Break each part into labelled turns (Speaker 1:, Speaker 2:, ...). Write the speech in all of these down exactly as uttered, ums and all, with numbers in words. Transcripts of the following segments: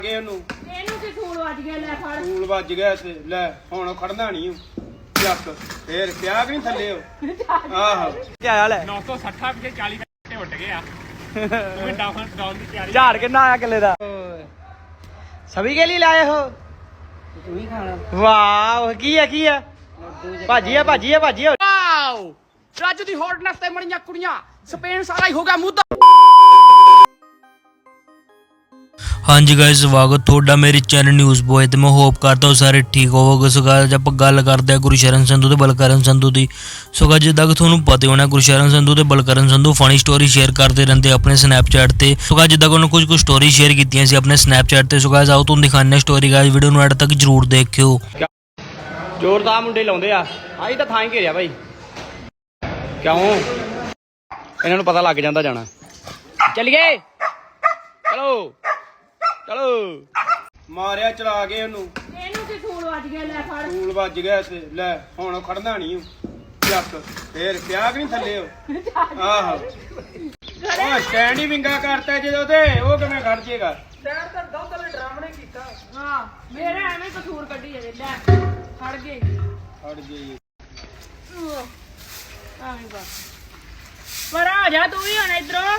Speaker 1: ਇਹਨੂੰ
Speaker 2: ਇਹਨੂੰ ਕੀ ਸੂਲ ਵੱਜ ਗਿਆ ਲੈ ਫੜ
Speaker 1: ਸੂਲ ਵੱਜ ਗਿਆ ਤੇ ਲੈ ਹੁਣ ਖੜਨਾ ਨਹੀਂ ਚੱਕ ਫੇਰ ਪਿਆ ਕਿ ਨਹੀਂ ਥੱਲੇ ਉਹ ਆਹੋ
Speaker 3: ਕੀ ਆਇਆ ਲੈ
Speaker 4: ਨੌ ਸੌ ਸੱਠ ਪਿੱਛੇ ਚਾਲੀ ਘੰਟੇ ਉੱਡ ਗਏ ਆ ਉਹ ਡਾਊਨ ਡਾਊਨ ਦੀ ਤਿਆਰੀ
Speaker 3: ਝਾੜ ਕਿੰਨਾ ਆਇਆ ਕਿੱਲੇ ਦਾ ਸਭੀ ਕੇ ਲਈ ਲਾਏ ਹੋ
Speaker 5: ਤੂੰ ਹੀ ਖਾਣਾ
Speaker 3: ਵਾਓ ਕੀ ਹੈ ਕੀ ਹੈ ਭਾਜੀ ਹੈ ਭਾਜੀ ਹੈ ਭਾਜੀ ਹੈ
Speaker 5: ਵਾਓ ਰਾਜੂ ਦੀ ਹੌਟਨੈਸ ਤੇ ਮਰੀਆਂ ਕੁੜੀਆਂ ਸਪੇਨ ਸਾਰਾ ਹੀ ਹੋ ਗਿਆ ਮੁੱਦਾ
Speaker 6: ਹਾਂਜੀ ਗਾਇਸ ਸਵਾਗਤ ਤੁਹਾਡਾ ਮੇਰੇ ਚੈਨਲ ਨਿਊਜ਼ ਬੋਏ ਤੇ ਮੈਂ ਹੋਪ ਕਰਦਾ ਹਾਂ ਸਾਰੇ ਠੀਕ ਹੋਵੋਗੇ। ਸੋ ਗਾਇਸ ਆਪਾਂ ਗੱਲ ਕਰਦੇ ਹਾਂ ਗੁਰਸ਼ਰਨ ਸੰਧੂ ਤੇ ਬਲਕਰਨ ਸੰਧੂ ਦੀ। ਸੋ ਗਾਇਸ ਜਿੱਦਾਂ ਕਿ ਤੁਹਾਨੂੰ ਪਤਾ ਹੋਣਾ ਗੁਰਸ਼ਰਨ ਸੰਧੂ ਤੇ Balkaran Sandhu funny story share ਕਰਦੇ ਰਹਿੰਦੇ ਆਪਣੇ ਸਨੈਪਚੈਟ ਤੇ। ਸੋ ਗਾਇਸ ਜਿੱਦਾਂ ਕਿ ਉਹਨਾਂ ਕੁਝ ਕੁ ਸਟੋਰੀ ਸ਼ੇਅਰ ਕੀਤੀਆਂ ਸੀ ਆਪਣੇ ਸਨੈਪਚੈਟ ਤੇ। ਸੋ ਗਾਇਸ ਆਓ ਤੁਹਾਨੂੰ ਦਿਖਾਉਂਦੇ ਹਾਂ ਸਟੋਰੀ। ਗਾਇਸ ਵੀਡੀਓ ਨੂੰ ਐਡ ਤੱਕ ਜਰੂਰ ਦੇਖਿਓ।
Speaker 3: ਜ਼ੋਰਦਾਰ ਮੁੰਡੇ ਲਾਉਂਦੇ ਆ ਆਹੀ ਤਾਂ ਥਾਂ ਹੀ ਘੇਰਿਆ ਭਾਈ ਕਿਉਂ ਇਹਨਾਂ ਨੂੰ ਪਤਾ ਲੱਗ ਜਾਂਦਾ ਜਾਣਾ। ਚੱਲੀਏ ਚਲੋ ਚਲੋ
Speaker 1: ਮਾਰਿਆ ਚਲਾ ਕੇ ਉਹਨੂੰ
Speaker 2: ਇਹਨੂੰ ਕੀ ਸੂਲ ਵੱਜ ਗਿਆ ਲੈ ਫੜ
Speaker 1: ਸੂਲ ਵੱਜ ਗਿਆ ਤੇ ਲੈ ਹੁਣ ਖੜਨਾ ਨਹੀਂ ਚੱਕ ਫੇਰ ਪਿਆ ਕਿ ਨਹੀਂ ਥੱਲੇ ਉਹ ਆਹੋ ਉਹ ਸਟੈਂਡ ਹੀ ਵਿੰਗਾ ਕਰਤਾ ਜਦੋਂ ਤੇ ਉਹ ਕਿਵੇਂ ਖੜ ਜੇਗਾ
Speaker 5: ਸਟੈਂਡ ਤਾਂ ਦੁੱਧ ਵਾਲੇ ਡਰਾਮਣੇ ਕੀਤਾ
Speaker 2: ਹਾਂ ਮੇਰਾ ਐਵੇਂ ਕਸੂਰ ਕੱਢੀ ਜਾਵੇ ਲੈ ਫੜ ਗਏ
Speaker 1: ਖੜ ਜੇ
Speaker 2: ਐਵੇਂ ਬਸ ਪਰ ਆ ਜਾ ਤੂੰ ਵੀ ਹੁਣ ਇਧਰੋਂ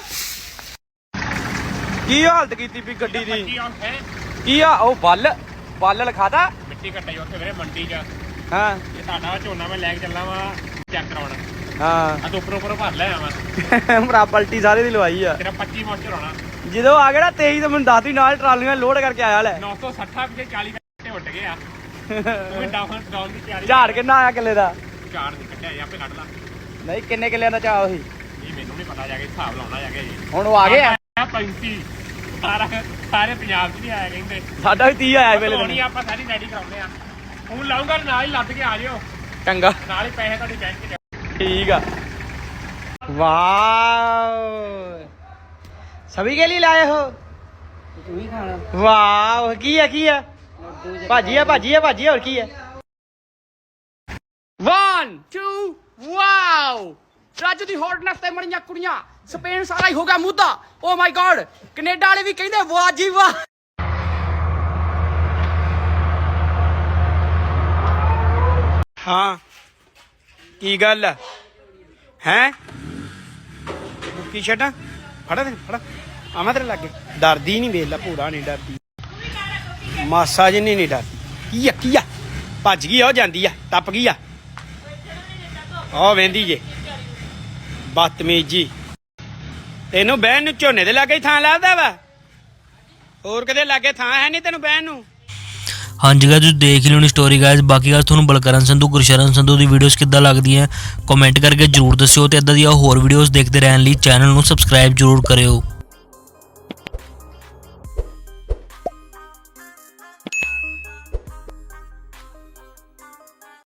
Speaker 3: ਕੀ ਹਾਲਤ ਕੀਤੀ ਵੀ ਗੱਡੀ ਦੀ
Speaker 4: ਪੱਚੀ ਆਉਣ ਹੈ
Speaker 3: ਕੀ ਆ ਉਹ ਬੱਲ ਬੱਲ ਲਿਖਾਤਾ
Speaker 4: ਮਿੱਟੀ ਘੱਟੇ ਉੱਥੇ ਵੀਰੇ ਮੰਡੀ 'ਚ
Speaker 3: ਹਾਂ
Speaker 4: ਇਹ ਤੁਹਾਡਾ ਝੋਨਾ ਮੈਂ ਲੈ ਕੇ ਚੱਲਾਂ ਵਾ ਚੈੱਕ ਕਰਾਉਣ
Speaker 3: ਹਾਂ
Speaker 4: ਆ ਤੋਂ ਉੱਪਰ ਉੱਪਰ ਭਰ ਲਿਆ ਵਾ
Speaker 3: ਮਰਾ ਪਲਟੀ ਸਾਰੇ ਦੀ ਲਵਾਈ ਆ
Speaker 4: ਤੇਰਾ ਪੱਚੀ ਮੋਚਰ ਹੋਣਾ
Speaker 3: ਜਦੋਂ ਆ ਗਿਆ ਨਾ ਤੇਈ ਤਾਂ ਮੈਨੂੰ ਦੱਸਦੀ ਨਾਲ ਟਰਾਲੀਆਂ ਲੋਡ ਕਰਕੇ ਆਇਆ ਲੈ
Speaker 4: ਨੌ ਸੌ ਸੱਠ ਪਿੱਛੇ ਚਾਲੀ ਘੰਟੇ ਉੱਡ ਗਏ ਆ ਉਹ ਡਾਊਨ ਡਾਊਨ ਦੀ ਤਿਆਰੀ
Speaker 3: ਝਾੜ ਕਿੰਨਾ ਆਇਆ ਕਿੱਲੇ ਦਾ
Speaker 4: ਝਾੜ ਦੀ ਕੱਢਿਆ ਜੀ ਆਪੇ ਕੱਢ ਲਾ
Speaker 3: ਨਹੀਂ ਕਿੰਨੇ ਕਿੱਲਿਆਂ ਦਾ ਚਾਹ ਉਹੀ
Speaker 4: ਇਹ ਮੈਨੂੰ ਨਹੀਂ ਪਤਾ ਜਾ ਕੇ ਹਿਸਾਬ ਲਾਉਣਾ ਜਾ ਕੇ ਜੀ
Speaker 3: ਹੁਣ ਉਹ ਆ ਗਏ ਆ
Speaker 4: ਪੈਂਤੀ ਸਾਰਾ ਸਾਰੇ ਪੰਜਾਬ 'ਚ ਨਹੀਂ ਆਇਆ ਕਹਿੰਦੇ
Speaker 3: ਸਾਡਾ ਵੀ ਤੀਹ ਆਇਆ ਵੇਲੇ
Speaker 4: ਨਹੀਂ ਆਪਾਂ ਸਾਰੀ ਰੈਡੀ ਕਰਾਉਂਦੇ ਆ ਹੁਣ ਲਾਉਂਗਾ ਨਾਲ ਹੀ ਲੱਦ ਕੇ ਆ ਜਿਓ
Speaker 3: ਚੰਗਾ
Speaker 4: ਨਾਲ ਹੀ ਪੈਸੇ ਤੁਹਾਡੀ ਬੈਂਕ 'ਚ
Speaker 3: ठीक है वाह सभी के लिए लाए हो
Speaker 5: ਤੂੰ ਹੀ ਖਾਣਾ
Speaker 3: वाह की है की है भाजी है भाजी है भाजी है और की है
Speaker 5: वन टू ਵਾਓ ਰਾਜੂ ਦੀ ਹੌਟਨੈਸ ਤੇ ਮਰੀਆਂ ਕੁੜੀਆਂ ਸਪੇਨ ਸਾਰਾ ਹੀ ਹੋ ਗਿਆ ਮੁੱਦਾ ਓ ਮਾਈ ਗॉड ਕੈਨੇਡਾ ਵਾਲੇ ਵੀ ਕਹਿੰਦੇ ਵਾਹ ਜੀ ਵਾਹ
Speaker 1: ਹਾਂ ਕੀ ਗੱਲ ਹੈ ਹੈਂ ਕੀ ਛੱਡਾਂ ਫੜਾ ਤੇ ਫੜਾ ਆਵਾਂ ਤੇਰੇ ਲਾਗੇ ਡਰਦੀ ਨਹੀਂ ਵੇਖ ਲੈ ਭੂਰਾ ਨਹੀਂ ਡਰਦੀ ਮਾਸਾ ਜਿੰਨੀ ਨਹੀਂ ਡਰਦੀ ਕੀ ਆ ਕੀ ਆ ਭੱਜ ਗਈ ਆ ਉਹ ਜਾਂਦੀ ਆ ਟੱਪ ਗਈ ਆ ਉਹ ਵੇਂਦੀ ਜੇ ਬਦਤਮੀਜੀ ਤੈਨੂੰ ਬਹਿਣ ਨੂੰ ਝੋਨੇ ਦੇ ਲਾਗੇ ਹੀ ਥਾਂ ਲੱਭਦਾ ਵਾ ਹੋਰ ਕਿਤੇ ਲਾਗੇ ਥਾਂ ਹੈ ਨਹੀਂ ਤੈਨੂੰ ਬਹਿਣ ਨੂੰ।
Speaker 6: ਹਾਂਜੀ ਗਾਇਸ ਤੁਸੀਂ ਦੇਖ ਲਿਓ ਨੀ ਸਟੋਰੀ ਗਾਇਸ। ਬਾਕੀ ਗਾਇਸ ਤੁਹਾਨੂੰ ਬਲਕਰਨ ਸੰਧੂ ਗੁਰਸ਼ਰਨ ਸੰਧੂ ਦੀ ਵੀਡੀਓਜ਼ ਕਿੱਦਾਂ ਲੱਗਦੀਆਂ ਕਮੈਂਟ ਕਰਕੇ ਜਰੂਰ ਦੱਸਿਓ ਤੇ ਇਦਾਂ ਦੀਆਂ ਹੋਰ ਵੀਡੀਓਜ਼ ਦੇਖਦੇ ਰਹਿਣ ਲਈ ਚੈਨਲ ਨੂੰ ਸਬਸਕ੍ਰਾਈਬ ਜਰੂਰ ਕਰਿਓ।